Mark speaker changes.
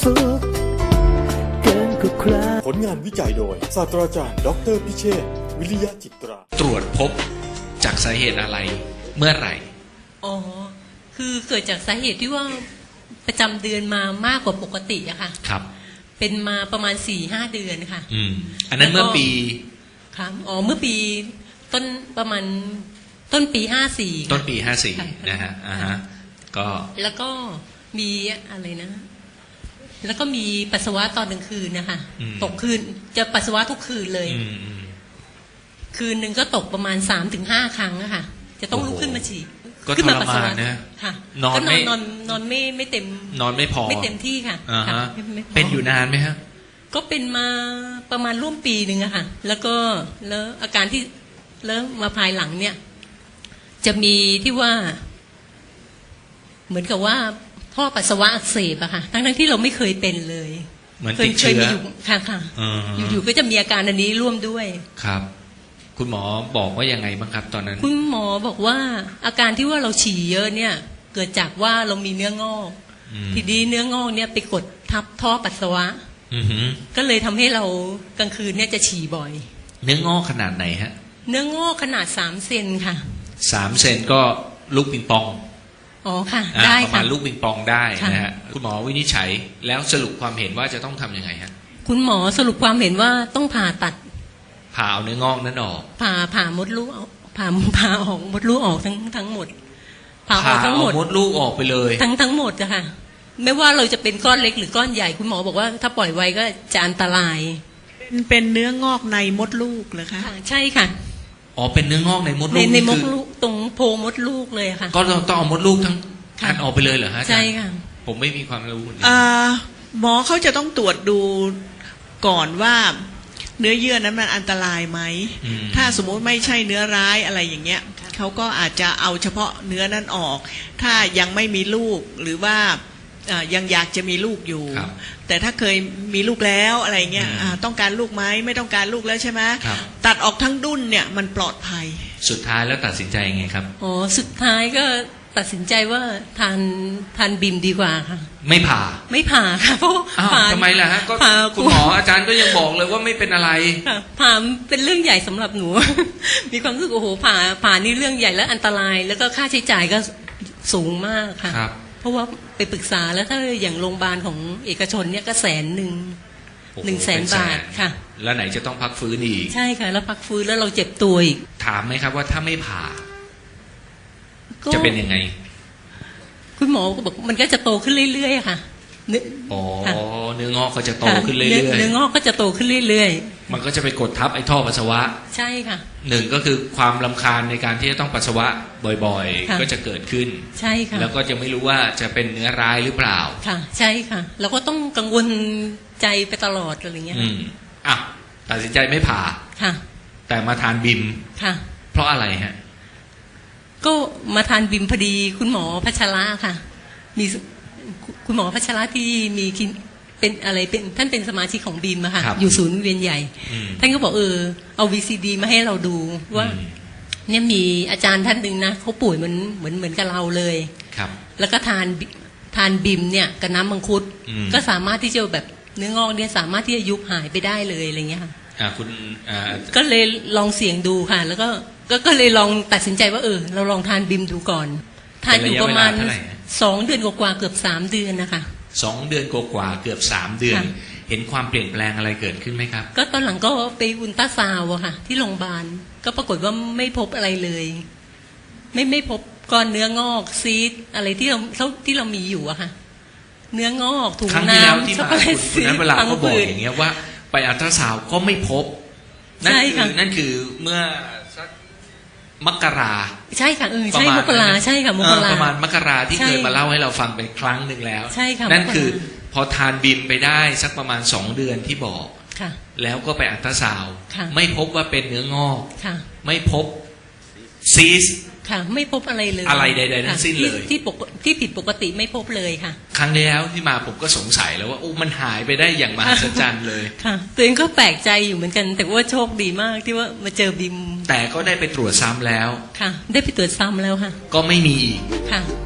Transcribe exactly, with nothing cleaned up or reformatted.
Speaker 1: สุขเกินกว่าใคร
Speaker 2: ผลงานวิจัยโดยศาสตราจารย์ดอกเตอรพิเชษฐ์วิริยะจิตรา
Speaker 3: ตรวจพบจากสาเหตุอะไรเมื่อไหร่
Speaker 4: อ๋อ คือเกิดจากสาเหตุที่ว่าประจำเดือนมามากกว่าปกติอะค่ะ
Speaker 3: ครับ
Speaker 4: เป็นมาประมาณสี่ห้าเดือนค่ะ
Speaker 3: อืมอันนั้นเมื่อปี
Speaker 4: ครับอ๋อ เมื่อปีต้นประมาณต้นปีห้าสี่
Speaker 3: ต้นปีห้าสี่นะฮะอ่าฮะก็
Speaker 4: แล้วก็มีอะไรนะ แล้วก็มีปัสสาวะตอนกลางคืนนะคะ ตกคืนจะปัสสาวะทุกคืนเลย
Speaker 3: อืมอืม
Speaker 4: คืนหนึ่งก็ตกประมาณสามถึงห้าครั้งอะค่ะ จะต้องลุกขึ้นมาฉี่
Speaker 3: ก็
Speaker 4: ขึ้
Speaker 3: ท
Speaker 4: มาร ปัสสาวะ
Speaker 3: มานนะ
Speaker 4: ค่ะ
Speaker 3: นอน
Speaker 4: ก็น
Speaker 3: ไม่
Speaker 4: อนนอนนอนไม่ไม่เต็ม
Speaker 3: นอนไม่พอ
Speaker 4: ไม่เต็มที่ค่ะ
Speaker 3: อ่า
Speaker 4: ค่ะ
Speaker 3: ฮะ
Speaker 4: ไม่ไม่พ
Speaker 3: เป็นอยู่นานไหมฮะ
Speaker 4: ก็เป็นมาประมาณร่วมปีหนึ่งอะค่ะ แล้วก็แล้วอาการที่แล้วมาภายหลังเนี่ย จะมีที่ว่า เหมือนกับว่าท่อปัสสาวะอักเสบอะค่ะ ทั้งทั้งที่เราไม่เคยเป็นเลย
Speaker 3: เหมือน
Speaker 4: เค
Speaker 3: ติ
Speaker 4: ย
Speaker 3: ด
Speaker 4: เค
Speaker 3: เชื้
Speaker 4: ย
Speaker 3: อ
Speaker 4: มีอยู่ค่ะค่ะ
Speaker 3: อืม
Speaker 4: อยู่ๆก็จะมีอาการอันนี้ร่วมด้วย
Speaker 3: ครับ คุณหมอบอกว่ายังไงบ้างครับ ตอนนั้น
Speaker 4: คุณหมอบอกว่า อาการที่ว่าเราฉี่เยอะเนี่ย เกิดจากว่าเรามีเนื้องอก
Speaker 3: อืม
Speaker 4: ทีนี้เนื้องอกเนี่ยไปกดทับท่อปัสสาวะ
Speaker 3: อือหือ
Speaker 4: ก็เลยทำให้เรากลางคืนเนี่ยจะฉี่บ่อย
Speaker 3: เนื้องอกขนาดไหนฮะ
Speaker 4: เนื้องอกขนาดสามเซนค่ะ
Speaker 3: สามเซนก็ลูกปิงปอง
Speaker 4: อ๋อค่ะ
Speaker 3: อ่า
Speaker 4: ได้
Speaker 3: ประ
Speaker 4: ค่ะ
Speaker 3: มาณลูกปิงปองได้
Speaker 4: ค่ะ
Speaker 3: นะฮะคุณหมอวินิจฉัยแล้วสรุปความเห็นว่าจะต้องทำยังไงฮะ
Speaker 4: คุณหมอสรุปความเห็นว่าต้องผ่าตัด
Speaker 3: ผ่าเอาเนื้องอกนั้นออก
Speaker 4: ผ่าผ่ามดลูกออกผ่าผ่าออกมดลูกออกทั้งทั้งหมด ผ่าออกทั้งหมด
Speaker 3: เอามดลูกออกไปเลย
Speaker 4: ทั้งทั้งหมดอะค่ะ ไม่ว่าเราจะเป็นก้อนเล็กหรือก้อนใหญ่คุณหมอบอกว่าถ้าปล่อยไว้ก็จะอันตราย
Speaker 5: เป็นเป็นเนื้องอกในมดลูกเหรอคะ
Speaker 4: ค่ะใช่ค่ะ
Speaker 3: อ๋อเป็นเนื้องอกในมด
Speaker 4: ใน
Speaker 3: ลูก
Speaker 4: ใน
Speaker 3: นี่
Speaker 4: ม
Speaker 3: คื
Speaker 4: ด
Speaker 3: อ
Speaker 4: ลูกตรงโพรงมดลูกเลยค่ะ
Speaker 3: ก็ต้องต้องเอามดลูกทั้ง
Speaker 4: ค่ะ
Speaker 3: อันออกไปเลยเหรอฮะอาจารย์
Speaker 4: ใช่ค่ะ
Speaker 3: ผมไม่มีความรู้นี่
Speaker 5: อ่าหมอเขาจะต้องตรวจดูก่อนว่าเนื้อเยื่อนั้นมันอันตรายไหม
Speaker 3: อืม
Speaker 5: ถ้าสมมุติไม่ใช่เนื้อร้ายอะไรอย่างเงี้ยเขาก็อาจจะเอาเฉพาะเนื้อนั้นออก ถ้ายังไม่มีลูกหรือว่าอ่ายังอยากจะมีลูกอยู่
Speaker 3: ครับ
Speaker 5: แต่ถ้าเคยมีลูกแล้วอะไรเงี้ย
Speaker 3: อืม
Speaker 5: อ่าต้องการลูกไหมไม่ต้องการลูกแล้วใช่ไหม
Speaker 3: ครับ
Speaker 5: ตัดออกทั้งดุ้นเนี่ยมันปลอดภัย
Speaker 3: สุดท้ายแล้วตัดสินใจยังไงครับ
Speaker 4: อ๋อสุดท้ายก็ตัดสินใจว่าทานทานบิมดีกว่าค่ะ
Speaker 3: ไม่ผ่า
Speaker 4: ไม่ผ่าค่ะเพราะ
Speaker 3: อ้าว
Speaker 4: ผ่า
Speaker 3: ทำไมล่ะฮะก็
Speaker 4: ผ่า
Speaker 3: คุณหมออาจารย์ก็ยังบอกเลยว่าไม่เป็นอะไร
Speaker 4: ค่ะผ่าเป็นเรื่องใหญ่สำหรับหนู มีความรู้สึกโอ้โหผ่าผ่านี่เรื่องใหญ่และอันตราย แล้วก็ค่าใช้จ่ายก็สูงมากค่ะ
Speaker 3: ครับ
Speaker 4: เพราะว่าไปปรึกษาแล้วถ้าอย่างโรงพยาบาลของเอกชนเนี่ยก็แสนหนึ่ง
Speaker 3: โอ้โ
Speaker 4: หนึ่งแสน
Speaker 3: เป็
Speaker 4: บาทค่ะ
Speaker 3: แล้วไหนจะต้องพักฟื้นอีก
Speaker 4: ใช่ค่ะ แล้วพักฟื้นแล้วเราเจ็บตัวอีก
Speaker 3: ถามไหมครับว่าถ้าไม่ผ่า
Speaker 4: ก็
Speaker 3: จะเป็นยังไง
Speaker 4: คุณหมอก็บอกมันก็จะโตขึ้นเรื่อยๆค่ะเนื้อ
Speaker 3: อ๋อ
Speaker 4: ค่ะ
Speaker 3: เนื้องอกก็จะโต
Speaker 4: ค่ะ
Speaker 3: ขึ้นเรื่
Speaker 4: เนื้
Speaker 3: อย
Speaker 4: เนื้องอกก็จะโตขึ้นเรื่อย
Speaker 3: ๆ มันก็จะไปกดทับไอ้ท่อปัสสาวะ
Speaker 4: ๆ ใช่ค่ะ
Speaker 3: หนึ่งก็คือความลำคาญในการที่จะต้องปัสสาวะบ่อย
Speaker 4: ค่ะ
Speaker 3: ๆ ก็จะเกิดขึ้น
Speaker 4: ใช่ค่ะ
Speaker 3: แล้วก็จะไม่รู้ว่าจะเป็นเนื้อร้ายหรือเปล่า
Speaker 4: ค่ะ ใช่ค่ะ เราก็ต้องกังวลใจไปตลอดอะไรเงี้ย
Speaker 3: อืมอ่ะตัดสินใจไม่ผ่า
Speaker 4: ค่ะ
Speaker 3: แต่มาทานบิม
Speaker 4: ค่ะ
Speaker 3: เพราะอะไรฮะ
Speaker 4: ก็มาทานบิมพอดีคุณหมอพัชระค่ะ มีคุณหมอพัชระที่มีคลินเป็นอะไรเป็นท่านเป็นสมาชิกของบิมอะค่ะ
Speaker 3: ครับ
Speaker 4: อยู่ศูนย์เวียนใหญ่
Speaker 3: อืม
Speaker 4: ท่านก็บอกเออเอาวีซีดีมาให้เราดูว่า
Speaker 3: อืม
Speaker 4: เนี่ยมีอาจารย์ท่านหนึ่งนะเขาป่วยเหมือนเหมือนเหมือนกับเราเลย
Speaker 3: ครับ
Speaker 4: แล้วก็ทานบิทานบิมเนี่ยกับน้ำมังคุด
Speaker 3: อืม
Speaker 4: ก็สามารถที่จะแบบเนื้องอกเนี่ยสามารถที่จะยุบหายไปได้เลยอะไรเงี้ยค่ะ
Speaker 3: อ่าคุณอ่า
Speaker 4: ก็เลยลองเสี่ยงดูค่ะ แล้วก็ก็ก็เลยลองตัดสินใจว่าเออ เราลองทานบิมดูก่อน ทานอยู่ประมาณ
Speaker 3: เป็นระยะเวลาเท่าไหร่ฮะ
Speaker 4: สองเดือนกว่าๆเกือบสามเดือนนะคะ
Speaker 3: สองเดือนกว่าๆเกือบสามเดือน
Speaker 4: ค่ะ
Speaker 3: เห็นความเปลี่ยนแปลงอะไรเกิดขึ้นไหมครับ
Speaker 4: ก็ตอนหลังก็ไปอุลตราซาวด์อะค่ะ ที่โรงพยาบาลก็ปรากฏว่าไม่พบอะไรเลย ไม่ไม่พบก้อนเนื้องอกซีดอะไรที่เราที่เรามีอยู่อะค่ะ เนื้องอกถุง
Speaker 3: ครั้งที่แล้ว
Speaker 4: น้ำ
Speaker 3: ที่
Speaker 4: ช็อก
Speaker 3: มา
Speaker 4: โกแล
Speaker 3: คุ
Speaker 4: ต
Speaker 3: ณคุ
Speaker 4: ซี
Speaker 3: ณนั้น
Speaker 4: ด
Speaker 3: เวลา
Speaker 4: พัง
Speaker 3: ก็บอก
Speaker 4: ผืด
Speaker 3: อย่างเงี้ยว่าไปอัลตราซาวด์ก็ไม่พบ นั่น
Speaker 4: ใช่
Speaker 3: คื
Speaker 4: ค่ะ
Speaker 3: อนั่นคือเมื่อสักมกรา
Speaker 4: ใช่ค่ะเออ
Speaker 3: ประ
Speaker 4: ใช่
Speaker 3: มาณ
Speaker 4: มกรา
Speaker 3: นั้น
Speaker 4: ใช่ค่ะม
Speaker 3: เอก อ
Speaker 4: รา
Speaker 3: ประมาณมกราที่
Speaker 4: ใช่
Speaker 3: เคยมาเล่าให้เราฟังไปครั้งหนึ่งแล้ว
Speaker 4: ใช่ค่ะ
Speaker 3: นั่น
Speaker 4: มกรา
Speaker 3: คือพอทานบิมไปได้สักประมาณสองเดือนที่บอก
Speaker 4: ค่ะ
Speaker 3: แล้วก็ไปอัลตราซาวด์
Speaker 4: ค่ะ
Speaker 3: ไม่พบว่าเป็นเนื้องอก
Speaker 4: ค่ะ
Speaker 3: ไม่พบซีส
Speaker 4: ค่ะ ไม่พบอะไรเลย
Speaker 3: อะไรใดๆทั้งสิ้นเลย
Speaker 4: ค่ะที่ที่ปกที่ผิดปกติไม่พบเลยค่ะ
Speaker 3: ครั้งที่แล้วที่มาผมก็สงสัยแล้วว่าโอ้มันหายไปได้อย่างมหัศจรรย์เลย
Speaker 4: ค่ะตัวเองก็แปลกใจอยู่เหมือนกัน แต่ว่าโชคดีมากที่ว่ามาเจอบิม
Speaker 3: แต่ก็ได้ไปตรวจซ้ำแล้ว
Speaker 4: ค่ะ ได้ไปตรวจซ้ำแล้วค่ะ
Speaker 3: ก็ไม่มีอีก
Speaker 4: ค่ะ